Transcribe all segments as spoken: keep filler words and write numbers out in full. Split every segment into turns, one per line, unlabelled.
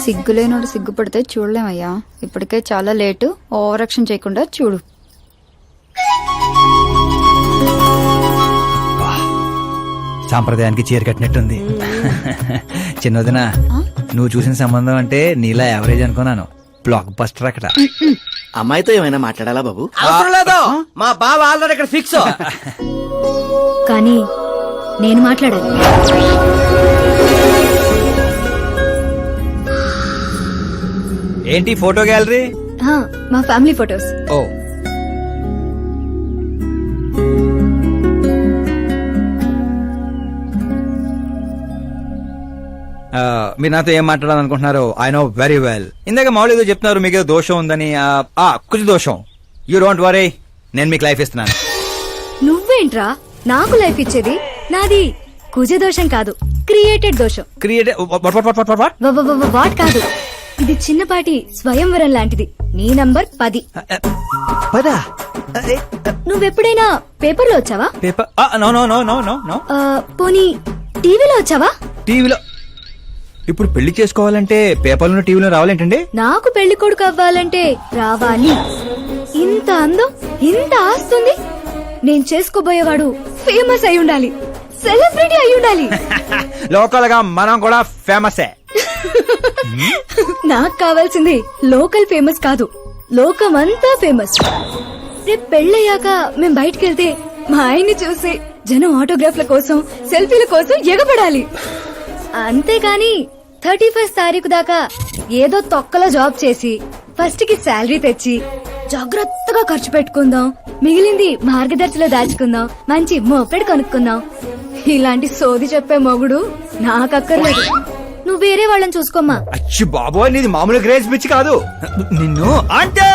సిగ్గులేనోడు సిగ్గుపడితే చూడలేమయ్యా. ఇప్పటికే చాలా late. Over action చేయకుండా చూడు.
సాంప్రదాయానికి చీర కట్టినట్టుంది. చిన్నదిన నువ్వు చూసిన సంబంధం అంటే నీలా యావరేజ్ అనుకున్నాను. బ్లాక్ బస్టర్ అక్కడ.
అమ్మాయితో ఏమైనా మాట్లాడాలా బాబు?
అవసరం లేదు, మా బావ ఆల్రెడీ ఇక్కడ ఫిక్స్.
కానీ నేను మాట్లాడాలి.
ఏంటి ఫోటో గ్యాలరీ?
హా, మా ఫ్యామిలీ ఫొటోస్.
ఓ మీరు నాతో ఏం మాట్లాడాలనుకుంటున్నారు? I know very well. ఇందాక మామూలు ఏదో చెప్తున్నారు, మీకు ఏదో దోషం ఉందని. కుజ దోషం. యూ డోంట్ వరీ, నేను మీకు లైఫ్ ఇస్తున్నాను.
నువ్వేంట్రా నాకు లైఫ్ ఇచ్చేది? నాది కుజ దోషం కాదు, క్రియేటెడ్ దోషం.
క్రియేట్
వాట్ కాదు, ఇది చిన్నపాటి స్వయంవరం లాంటిది. నీ నంబర్ పది.
పదా?
నువ్వెప్పుడైనా పేపర్లో వచ్చావా?
Paper? No no no no no no.
పోనీ టీవీలో వచ్చావా?
టీవీలో? ఇప్పుడు పెళ్లి చేసుకోవాలంటే పేపర్లో టీవీలో రావాలేంటండి?
నాకు పెళ్లి కొడుకు అవ్వాలంటే రావాలి. ఇంత అందం, ఇంత ఆస్తుంది. నేను చేసుకోబోయేవాడు ఫేమస్ అయి ఉండాలి, సెలబ్రిటీ అయి ఉండాలి.
లోకల్ గా మనం కూడా ఫేమస్.
నాకు కావాల్సింది లోకల్ ఫేమస్ కాదు, లోకమంతా ఫేమస్. రేపు పెళ్ళయ్యాక మేం బయటకెళ్తే మా ఆయన్ని చూసి జనం ఆటోగ్రాఫ్ల కోసం, సెల్ఫీల కోసం ఎగబడాలి. అంతేకాని థర్టీ ఫస్ట్ తారీఖు దాకా ఏదో తొక్కలో జాబ్ చేసి ఫస్ట్ కి శాలరీ తెచ్చి జాగ్రత్తగా ఖర్చు పెట్టుకుందాం, మిగిలింది మార్గదర్శిలో దాచుకుందాం, మంచి మోపెడు కొనుక్కుందాం, ఇలాంటి సోది చెప్పే మొగుడు నాకక్కర్లేదు. నువ్వు వేరే వాళ్ళని చూసుకోమ్మా.
అచ్చి బాబోయ్, నీది మామూలు గ్రేజ్ పిచ్చి కాదు. నిన్ను అంటే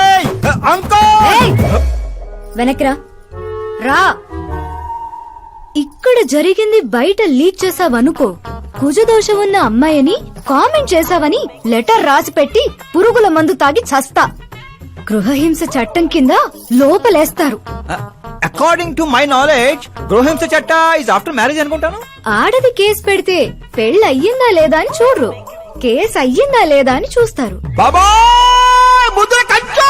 వెనక్రా రా. ఇక్కడ జరిగింది బయట లీక్ చేసావనుకో, కుజదోషం ఉన్న అమ్మాయిని కామెంట్ చేసావని లెటర్ రాసి పెట్టి పురుగుల మందు తాగి చస్తా. గృహహింస చట్టం కింద లోపలేస్తారు.
అకార్డింగ్ టు మై నాలెడ్జ్ గృహహింస చట్ట ఇస్ ఆఫ్టర్ మ్యారేజ్ అనుకుంటాను.
ఆడది కేసు పెడితే పెళ్లి అయ్యిందా లేదా అని చూడరు, కేసు అయ్యిందా లేదా అని చూస్తారు.
బాబా ముద్ర కంచు.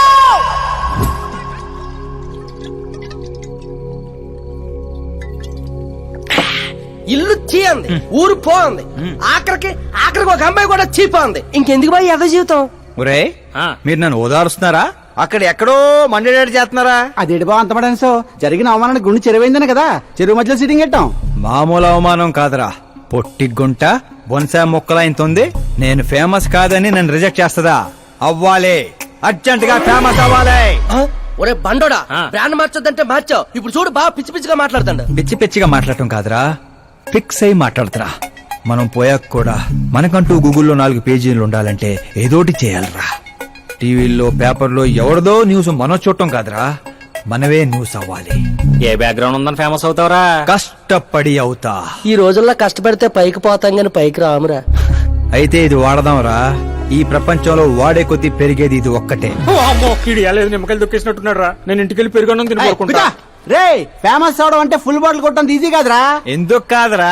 ఇల్లు చీయంది, ఊరు పోంది, ఆఖరికి ఆఖరికి ఒక అమ్మాయి కూడా చీపోంది. ఇంకెందుకు బాయ్ ఎద జీవితం?
ఒరే, మీరు నన్ను ఓదారుస్తున్నారా? అక్కడ ఎక్కడో మండేడాడు చేస్తున్నారా?
అదేడు బా అంతమడాను సో జరిగిన అవమానానికి గుండె చెరువైందని కదా చెరువు మధ్యలో సిట్టింగ్ పెట్టాం.
మామూలు అవమానం కాదురా, పొట్టి గుంట బొన్సా మొక్కలైంతుంది. నేను ఫేమస్ కాదని నన్ను రిజెక్ట్ చేస్తదా? అవ్వాలి, అర్జెంట్ గా ఫేమస్ అవ్వాలి.
ఒరే బండోడా, బ్రాండ్ మార్చొద్దంటే మార్చావు. ఇప్పుడు చూడు బాగా పిచ్చి పిచ్చిగా మాట్లాడుతాడు.
పిచ్చి పిచ్చిగా మాట్లాడటం కాదురా, ఫిక్స్ అయి మాట్లాడుతురా. మనం పోయాక కూడా మనకంటూ గూగుల్లో నాలుగు పేజీలు ఉండాలంటే ఏదోటి చేయాలరా. టీవీల్లో పేపర్లో ఎవరిదో న్యూస్ మనం చూడటం కాదురా, మనవే న్యూస్ అవ్వాలి.
ఏ బ్యాక్గ్రౌండ్ ఉందని ఫేమస్ అవుతావరా?
కష్టపడి అవుతా.
ఈ రోజుల్లో కష్టపడితే పైకి పోతాం గాని పైకి రామురా.
అయితే ఇది వాడదాంరా. ఈ ప్రపంచంలో వాడే కొద్ది పెరిగేది ఇది ఒక్కటే.
నిమ్మకాయలు దొక్కేసినట్టున్నాడు రా. నేను ఇంటికి వెళ్ళి పెరుగొన్నం తినుకుంటా.
రే, ఫేమస్ అవడం అంటే ఫుల్ బాటిల్ కొట్టడం ఈజీ కాదురా.
ఎందుకు కాదురా?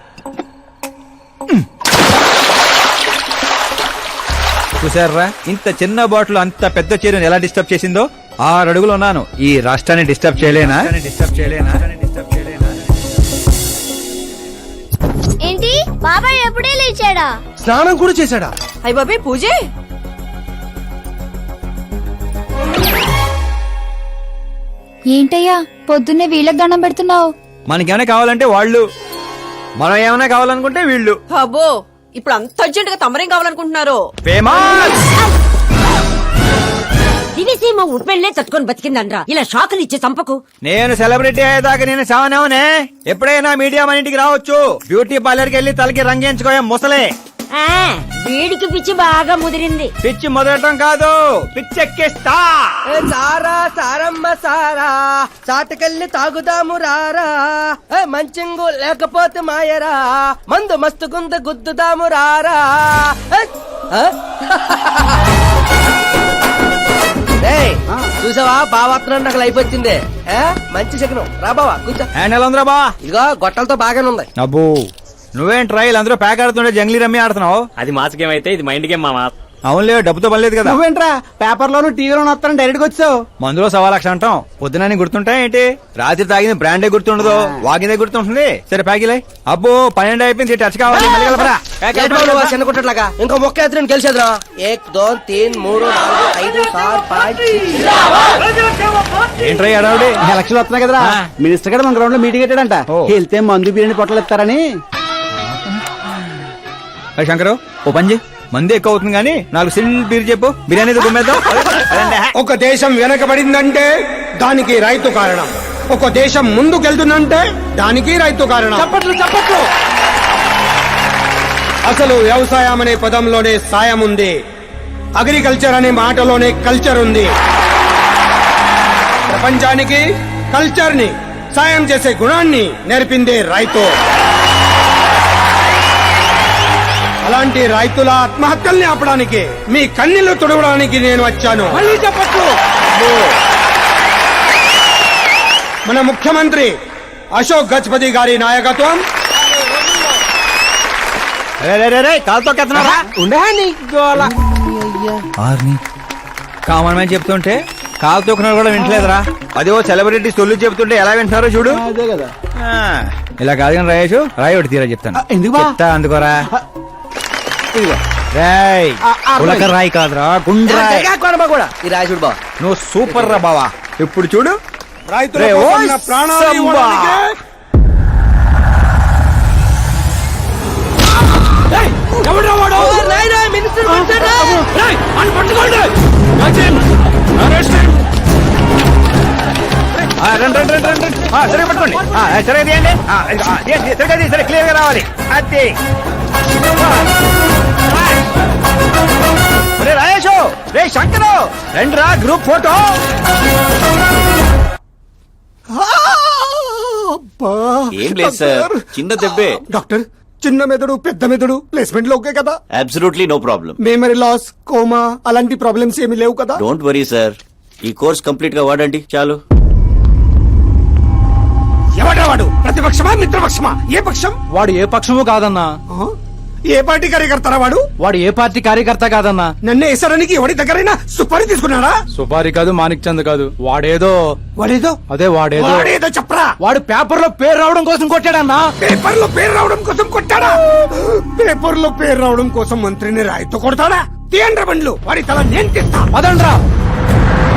చూసారా, ఇంత చిన్న బాటిల్ అంత పెద్ద చీరను ఎలా డిస్టర్బ్ చేసిందో. ఆరు అడుగులు ఉన్నాను, ఈ రాష్ట్రాన్ని డిస్టర్బ్ చేయలేనా? డిస్టర్బ్ చేయలేనా? డిస్టర్బ్ చేయలేనా?
ఏంటి బాబాయ్ ఎప్పుడే లేచాడా?
స్నానం కూడా చేశాడా?
అయ్య బాబాయ్ పూజే.
ఏంటయ్యా పొద్దున్నే వీళ్ళకి దండం పెడుతున్నావు?
మనకేమైనా కావాలంటే వాళ్ళు, మనం ఏమైనా కావాలనుకుంటే వీళ్ళు.
అబ్బో, ఇప్పుడు అంత అర్జెంట్ గా తమరేం కావాలనుకుంటున్నారు?
ఫేమస్.
దివిసీమ ఉప్పెళ్లే తట్టుకొని బతికిందనరా, ఇలా షాకులు ఇచ్చే చంపకు.
నేను సెలబ్రిటీ అయ్యేదాకా నేను సావనేవనే. ఎప్పుడైనా మీడియా మన ఇంటికి రావచ్చు. బ్యూటీ పార్లర్కి వెళ్ళి తలకి రంగేయించుకోయా ముసలే.
వీడికి పిచ్చి బాగా ముదిరింది.
పిచ్చి మొదలటం కాదు, పిచ్చెక్కిస్తా.
సారా సారమ్మ సారా, చాటకెళ్ళి తాగుదాము రారా. మంచింగు లేకపోతే మాయరా, మందు మస్తు గుంద గుద్దుదాము రారా. చూసావా బావాత్రం నాకు లైఫ్ వచ్చింది. మంచి శకనం రా బావా కూర్చో.
హ్యాండ్ ఎలా ఉందిరా బా?
ఇదిగో గొట్టలతో బాగానే ఉంది.
అబ్బో నువ్వేం ట్రైల్ అందరూ ప్యాక్ ఆడుతుంటే జంగ్లీ రమ్మి ఆడుతున్నావు.
అది మాస్ గేమ్ అయితే ఇది మైండ్ గేమ్ మామా.
అవునులే, డబ్బుతో పనిలేదు కదా.
నువ్వేంట్రా పేపర్ లోను టీవీలోను వస్తాను డైరెక్ట్ గా వచ్చావు.
మందులో సవా లక్ష అంటాం, పొద్దునని గుర్తుంటాయి ఏంటి? రాత్రి తాగింది బ్రాండే గుర్తుండదు, వాగిందే గుర్తుంటుంది. సరే ప్యాకిలే. అబ్బో పన్నెండు అయిపోయింది, టచ్ కావాలి. మళ్ళీ కలపరా. ప్యాక్
ఏంటి బాబు నువ్వు ఆ చిన్న కుట్టట్లాగా ఇంకో మొక్క ఎత్తున గెలిచేద్రా. ఏక్ దో తీన్ మూడు నాలుగు ఐదు ఆరు పాంచ్
ఏంట్రై అడవుడి?
ఎలక్షన్లు వస్తున్నాయి కదరా, మినిస్టర్ గారు మన గ్రౌండ్ లో మీటింగ్ పెట్టాడంట.
ఓ.
వెళ్తే మందు బిర్యానీ పొట్టలు ఇస్తారని.
శంకరు ఓ పంజి, మంది ఎక్కువ అవుతుంది కానీ నాలుగు సిల్ బీర్ చెప్పు, బిర్యానీ గుమ్మేద్దాం.
ఒక దేశం వెనకబడిందంటే దానికి రైతు కారణం. ఒక దేశం ముందుకెళ్తుందంటే దానికి రైతు కారణం.
చప్పట్లు చప్పట్లు.
అసలు వ్యవసాయం అనే పదంలోనే సాయం ఉంది, అగ్రికల్చర్ అనే మాటలోనే కల్చర్ ఉంది. ప్రపంచానికి కల్చర్ ని, సాయం చేసే గుణాన్ని నేర్పిందే రైతు. అలాంటి రైతుల ఆత్మహత్యల్ని ఆపడానికి, మీ కన్నీళ్లు తుడవడానికి నేను వచ్చాను.
మళ్ళీ చప్పట్లు.
మన ముఖ్యమంత్రి అశోక్ గజపతి గారి నాయకత్వం,
కాలుతో కెత్తనారా ఆర్ని కామన్ మ్యాన్ చెప్తుంటే కాలు తొక్కున్నారు కూడా వింటలేదురా. అదే ఓ సెలబ్రిటీ సొల్లు చెప్తుంటే ఎలా వింటున్నారో చూడు.
అదే కదా.
ఆ, ఇలా కాదు కానీ రాయేష్, రాయి ఒకటి తీరా చెప్తాను.
ఆ, ఎందుకు బా?
చెప్తా అందుకోరా.
ఇదిగో.
రాయ్
ఆ, ఆ,
ఉలక రాయి కాదురా, గుండ్రాయ్.
కూడా ఈ రాజుడు బా
నువ్వు సూపర్ రా బావా. ఇప్పుడు చూడు.
రైతుల
రే,
కోసం
ఓయ్
నా ప్రాణాలు
సంబా.
ఇవ్వడానికే
మినిస్టర్
ఆ, రండి రండి రండి రండి. ఆ, సరిగ్గా పట్టుకోండి. ఆ, సరిగ్గా తీయండి. ఆ, ఇదిగో, ఆ, తీయండి, సరిగ్గా తీయండి, సరే క్లియర్ గా రావాలి. అది రే రాయేషు, రే శంకరు, రండి రా గ్రూప్ ఫోటో.
ఏం లేదు సార్, చిన్న దెబ్బే.
డాక్టర్, చిన్న మెదడు పెద్ద మెదడు ప్లేస్మెంట్ లో ఓకే కదా?
Absolutely no problem.
Memory loss, coma అలాంటి ప్రాబ్లమ్స్ ఏమీ లేవు కదా?
డోంట్ వరీ సార్, ఈ కోర్స్ కంప్లీట్ గా వాడండి చాలు.
ఎవడా వాడు? ప్రతిపక్షమా మిత్రపక్షమా? ఏ పక్షం?
వాడు ఏ పక్షము కాదన్నా.
ఆ? ఏ పార్టీ కార్యకర్తారా వాడు?
వాడు ఏ పార్టీ కార్యకర్త కాదన్నా.
నన్ను వేసడానికి ఎవడి దగ్గరైనా సుపారీ తీసుకున్నాడా?
సుపారి కాదు, మాణిక్ చంద్ కాదు. వాడేదో
వాడేదో
అదే వాడేదో
వాడేదో చెప్పరా.
వాడు పేపర్ లో పేరు రావడం కోసం కొట్టాడన్నా.
పేపర్ లో పేరు రావడం కోసం కొట్టాడా? పేపర్ లో పేరు రావడం కోసం మంత్రిని రాయితో కొడతాడా? తీయండ్ర బండ్లు, వాడి తల నేను తీస్తా.
అదండ్రా.